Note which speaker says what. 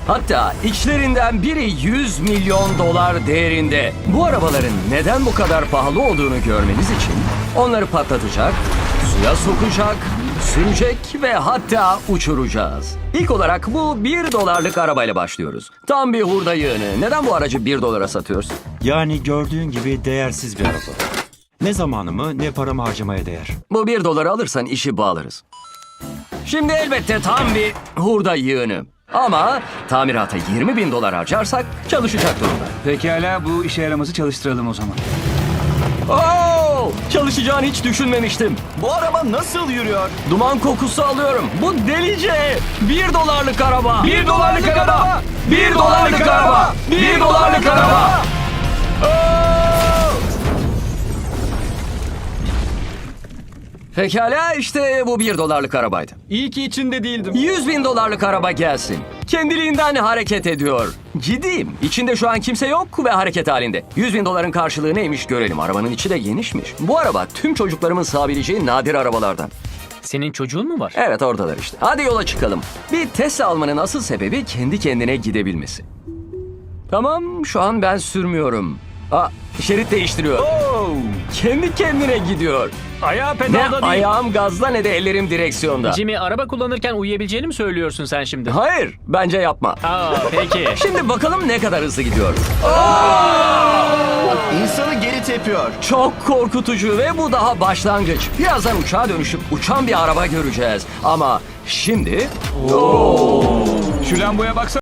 Speaker 1: Hatta içlerinden biri 100 milyon dolar değerinde. Bu arabaların neden bu kadar pahalı olduğunu görmeniz için onları patlatacak, suya sokacak, sürecek ve hatta uçuracağız. İlk olarak bu 1 dolarlık arabayla başlıyoruz. Tam bir hurda yığını. Neden bu aracı 1 dolara satıyorsun?
Speaker 2: Yani gördüğün gibi değersiz bir araba. Ne zamanımı ne paramı harcamaya değer.
Speaker 1: Bu 1 doları alırsan işi bağlarız. Şimdi elbette tam bir hurda yığını. Ama tamirata 20 bin dolar harcarsak çalışacak durumda.
Speaker 3: Pekala, bu işe yaramazı çalıştıralım o zaman.
Speaker 1: Oo! Çalışacağını hiç düşünmemiştim.
Speaker 4: Bu araba nasıl yürüyor?
Speaker 1: Duman kokusu alıyorum. Bu delice. 1 dolarlık araba.
Speaker 3: 1 dolarlık araba!
Speaker 1: 1 dolarlık araba. 1 dolarlık araba. Pekala işte bu 1 dolarlık arabaydı.
Speaker 3: İyi ki içinde değildim.
Speaker 1: 100 bin dolarlık araba gelsin. Kendiliğinden hareket ediyor. Ciddiyim. İçinde şu an kimse yok ve hareket halinde. 100 bin doların karşılığı neymiş görelim. Arabanın içi de genişmiş. Bu araba tüm çocuklarımın sığabileceği nadir arabalardan.
Speaker 5: Senin çocuğun mu var?
Speaker 1: Evet oradalar işte. Hadi yola çıkalım. Bir Tesla almanın asıl sebebi kendi kendine gidebilmesi. Tamam şu an ben sürmüyorum. Şerit değiştiriyor. Kendi kendine gidiyor.
Speaker 5: Ayağı
Speaker 1: Ne
Speaker 5: pedalda değil.
Speaker 1: ayağım gazda ne de ellerim direksiyonda.
Speaker 5: Jimmy, araba kullanırken uyuyabileceğini mi söylüyorsun sen şimdi?
Speaker 1: Hayır bence yapma.
Speaker 5: Aa, peki.
Speaker 1: Şimdi bakalım ne kadar hızlı gidiyor.
Speaker 4: İnsanı geri tepiyor.
Speaker 1: Çok korkutucu ve bu daha başlangıç. Birazdan uçağa dönüşüp uçan bir araba göreceğiz. Ama şimdi
Speaker 3: Şu lamboya baksana.